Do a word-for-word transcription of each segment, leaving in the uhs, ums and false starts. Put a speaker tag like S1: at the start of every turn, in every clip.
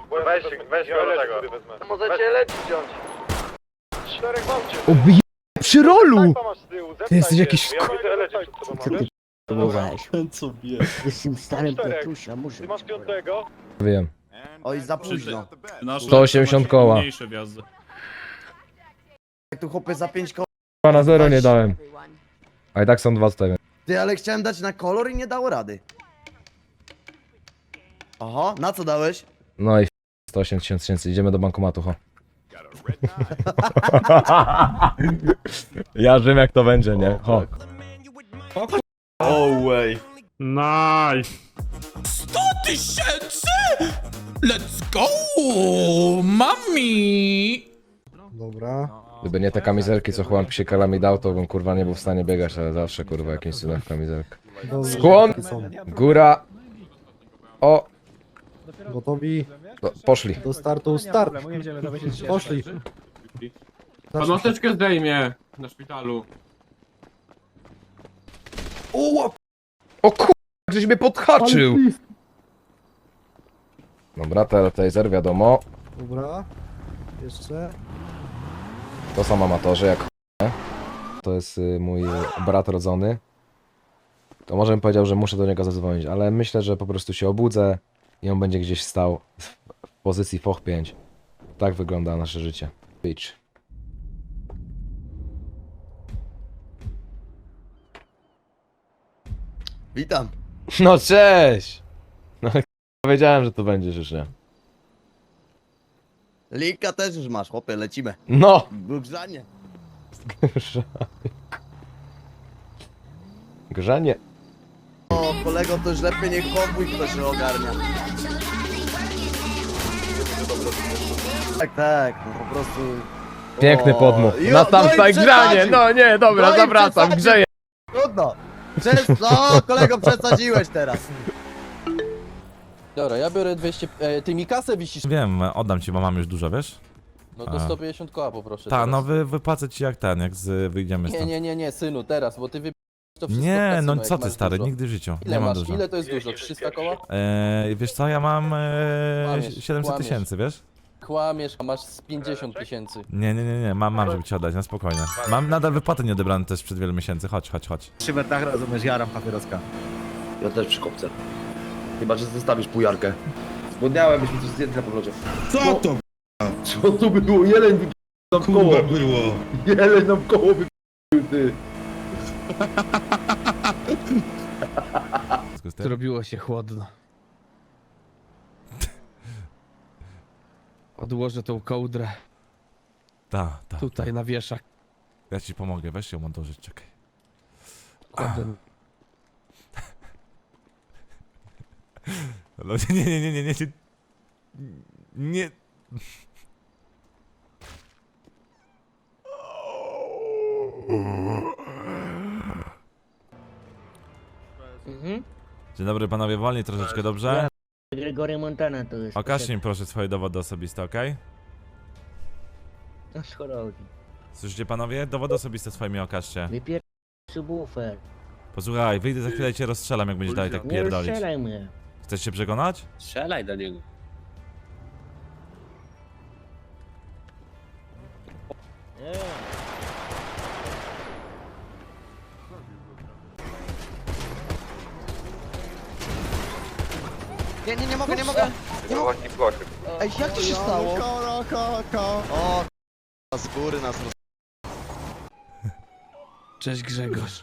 S1: Weź, weź go do tego.
S2: Możecie lecić wziąć.
S1: Czterech mam cię.
S3: Obij... przy rolu!
S1: masz z tyłu,
S3: Ty jesteś jakiś
S1: Ja widzę lecieć przed tobą,
S4: Co ty próbowałeś?
S5: Co wie?
S4: Jestem starym
S1: Czterech.
S4: Piotrusia, muszę
S1: Ty masz
S4: cię powiedzieć.
S1: piątego?
S3: Wiem.
S4: Oj, za późno.
S3: sto osiemdziesiąt koła.
S5: Mniejsze wjazdy.
S4: Jak tu chłopy za pięć koła.
S3: Na zero nie dałem. A i tak są dwa tutaj.
S4: Ty, ale chciałem dać na kolor i nie dało rady. Oho, na co dałeś?
S3: No i sto osiemdziesiąt tysięcy, idziemy do bankomatu, ho. Ja wiem jak to będzie, nie? Ho.
S5: Oh way.
S6: Nice!
S7: sto tysięcy! Let's go! Mami!
S3: Gdyby nie te kamizelki, co chłopam psiekalami dał, to bym kurwa nie był w stanie biegać, ale zawsze kurwa jakimś cudem w kamizelkę. Skłon! Góra! O!
S8: Gotowi
S3: Do, poszli.
S8: do startu, start. Poszli.
S6: Pan maseczkę zdejmie na szpitalu.
S3: O kur... żeś mnie podhaczył! Dobra, te- taser wiadomo.
S8: Dobra. Jeszcze.
S3: To są amatorzy jak ch... To jest y, mój brat rodzony. To może bym powiedział, że muszę do niego zadzwonić, ale myślę, że po prostu się obudzę i on będzie gdzieś stał w pozycji foch pięć. Tak wygląda nasze życie. Bitch.
S4: Witam.
S3: No cześć! No wiedziałem, że to będziesz już, nie?
S4: Linka też już masz, chłopie, lecimy.
S3: No!
S4: Grzanie.
S3: Grzanie.
S4: O, kolego, to już lepiej niech konwój ktoś się ogarnia. Tak, tak, no po prostu...
S3: Piękny
S4: O,
S3: podmuch.
S4: jo,
S3: Na tam
S4: no i
S3: staj grzanie!
S4: przesadził.
S3: No nie, dobra,
S4: No i
S3: zawracam,
S4: przesadził.
S3: grzeję.
S4: Trudno. Przez... No, kolego, przesadziłeś teraz.
S2: Dobra, ja biorę dwieście... E, ty mi kasę wisisz.
S9: Wiem, oddam ci, bo mam już dużo, wiesz?
S2: No to
S9: A.
S2: sto pięćdziesiąt koła poproszę.
S9: Ta,
S2: teraz.
S9: no wy, wypłacę ci jak ten, jak z, wyjdziemy
S2: Nie,
S9: stąd.
S2: nie, nie, nie, synu, teraz, bo ty wy... to wszystko w
S9: Nie,
S2: kasyno,
S9: no
S2: jak
S9: co ty
S2: masz
S9: stary,
S2: dużo.
S9: nigdy w życiu,
S2: Ile
S9: nie mam
S2: masz?
S9: dużo.
S2: Ile to jest dużo? trzysta koła?
S9: Eee, wiesz co, ja mam eee,
S2: Kłamiesz,
S9: siedemset
S2: kłamiesz.
S9: tysięcy, wiesz?
S2: Kłamiesz, a masz z pięćdziesiąt tysięcy.
S9: Nie, nie, nie, nie, mam, mam, żeby ci oddać, na spokojnie. Mam nadal wypłaty nieodebrane też przed wielu miesięcy, chodź, chodź, chodź.
S8: Szybę tak rozumiesz, jaram papieroska.
S5: Ja też przy kopce. Chyba, że zostawisz pujarkę. Zgłodniałem, byśmy coś zjedli na powrocie.
S7: Co to
S5: Co to było? Jeleń wy... nam koło.
S7: było?
S5: Jeleń nam koło wy... ty.
S2: Zrobiło się chłodno. Odłożę tą kołdrę
S9: Ta, ta,
S2: tutaj na wieszak.
S9: ja ci pomogę, weź ją odłożyć, czekaj.
S2: Kładę.
S9: No, nie, nie, nie, nie, nie, nie, nie.
S4: Mhm.
S9: Dzień dobry panowie, wolniej troszeczkę, dobrze?
S4: Gregory Montana to jest.
S9: Okażcie mi proszę swoje dowody osobiste, okej?
S4: No schorowi.
S9: Słyszycie panowie? Dowody osobiste swoje mi okażcie.
S4: Wypier... subwoofer.
S9: Posłuchaj, wyjdę za chwilę i cię rozstrzelam, jak będziesz dalej tak
S4: Nie
S9: pierdolić.
S4: rozstrzelaj mnie.
S9: Chcesz się przekonać?
S5: Strzelaj do niego.
S4: Nie. Nie, nie, nie mogę, nie mogę. Nie mogę. Ej, jak to się stało? O, k***a, z góry nas roz...
S2: Cześć Grzegorz.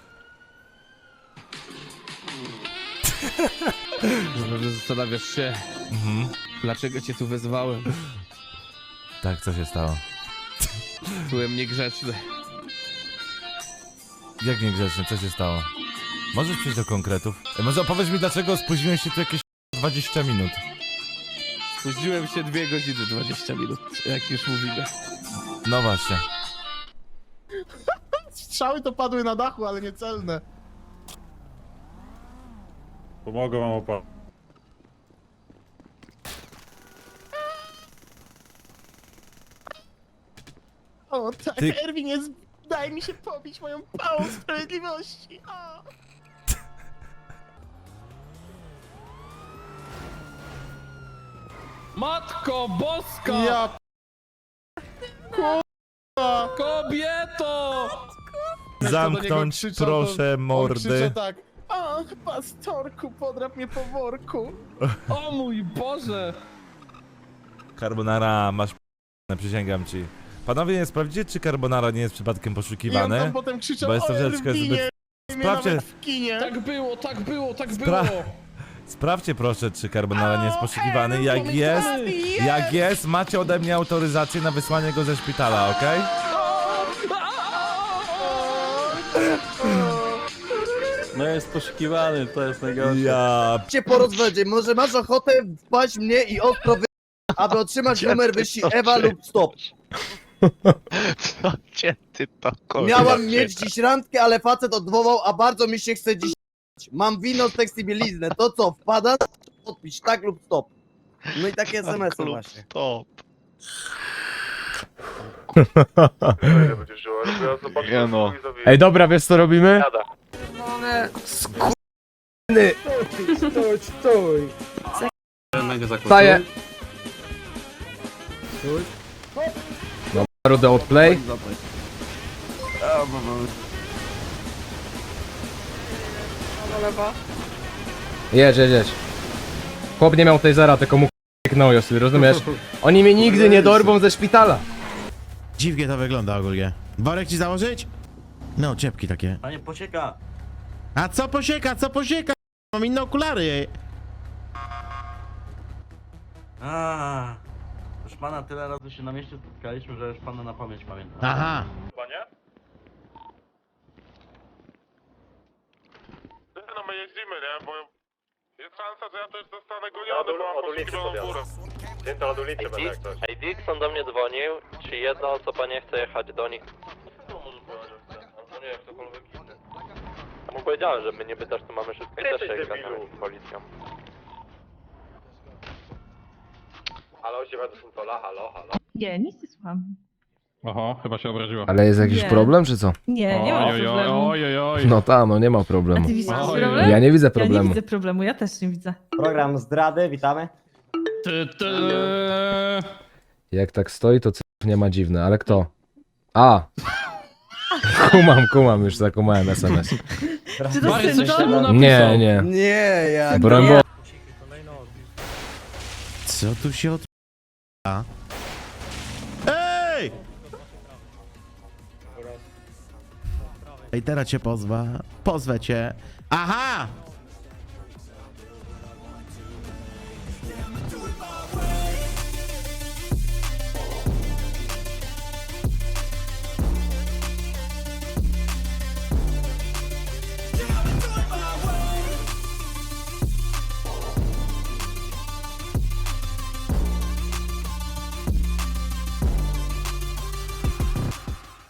S2: Może zastanawiasz się,
S9: Mhm.
S2: dlaczego cię tu wezwałem.
S9: Tak, co się stało?
S2: Byłem niegrzeczny.
S9: Jak niegrzecznie, co się stało? Możesz przejść do konkretów? E, może opowiedz mi, dlaczego spóźniłeś się tu jakieś dwadzieścia minut?
S2: Spóźniłem się dwie godziny dwadzieścia minut, jak już mówimy.
S9: No właśnie.
S8: Strzały to padły na dachu, ale nie celne.
S6: Pomogę wam opa.
S8: O tak,
S9: Ty-
S8: Erwin jest... Daj mi się pobić moją pałą sprawiedliwości. O.
S2: Matko boska!
S7: Ja
S2: Kobieto!
S9: Zamknąć proszę mordy.
S7: tak.
S8: Ach, pastorku, podrap mnie po worku.
S2: O mój Boże!
S9: Carbonara, masz p***ne, przysięgam ci. Panowie, nie sprawdzicie, czy Carbonara nie jest przypadkiem
S8: I on
S9: poszukiwany?
S8: tam potem krzyczał
S9: Bo jest
S8: o
S9: troszeczkę
S8: Erwinie,
S9: zbyt...
S8: mnie
S9: Sprawdźcie,
S8: nawet w kinie.
S2: Tak było, tak było, tak
S9: Spra-
S2: było!
S9: sprawdźcie proszę, czy Carbonara nie jest
S8: O,
S9: poszukiwany.
S8: Erwin,
S9: Jak
S8: mamy
S9: jest,
S8: klasy, jest!
S9: jak jest, macie ode mnie autoryzację na wysłanie go ze szpitala, okej?
S2: No jest poszukiwany, to jest najgorsze.
S9: Ja...
S4: Cię porozwędzie, może masz ochotę wpaść mnie i ostro wy... aby otrzymać numer wysi Ewa lub stop.
S1: Co cię ty to kurwa?
S4: Miałam mieć dziś randkę, ale facet odwołał, a bardzo mi się chce dziś. Mam wino, seks i bieliznę. To co, wpada? Podpisz tak lub stop. No i takie es em esy właśnie.
S1: Stop.
S3: Nie no. Ej, dobra, wiesz co robimy?
S1: Jada.
S3: Staję. No, rudę odplay. Jedź, jedź, jedź. Chłop nie miał tej zera, tylko mu k***knął, Josy, rozumiesz? Oni mnie nigdy nie dorwą ze szpitala.
S7: Dziwnie to wygląda ogólnie. Worek ci założyć? No, ciepki takie.
S5: Panie posieka.
S7: A co posieka, co posieka? Mam inne okulary.
S5: A, już pana tyle razy się na mieście spotkaliśmy, że już pana na pamięć pamiętam.
S7: Aha.
S1: No my jeździmy, nie? Bo jest szansa, że ja też zostanę goniony, bo mam poszukiwaną górę. Dzień to od ulicy będę jak coś.
S10: Ej, Dixon do mnie dzwonił, czy jedna osoba nie chce jechać do nich? No nie, ktokolwiek inny. Mu powiedziałem, że my nie pytasz, to mamy wszystkie
S1: Ty
S10: też
S1: jesteś
S10: jechać
S1: debilu.
S10: z policją.
S1: Halo, siema, to są Tola, halo, halo.
S6: Nie, nic nie słucham.
S2: Oho, chyba się obraziła.
S3: Ale jest jakiś
S6: Nie.
S3: problem, czy co?
S6: Nie, nie ma problemu.
S2: oj, oj, oj.
S3: No ta, no nie ma
S6: A
S3: problemu.
S6: ty widzisz
S2: Oj,
S6: problem?
S3: Ja nie widzę
S6: Ja nie
S3: problemu.
S6: widzę problemu, ja też nie widzę.
S4: Program zdrady, witamy.
S2: Ty, ty.
S3: Jak tak stoi, to cyfr nie ma dziwne, ale kto? A! Kumam, kumam, już zakumałem es em es.
S6: Czy to
S2: Mary, coś
S6: syn
S2: temu
S6: to?
S2: napisał.
S3: Nie, nie.
S4: Nie, ja...
S3: Broń Boże.
S7: Co tu się od... A? Ej! Ej, teraz cię pozwa. Pozwę cię. Aha!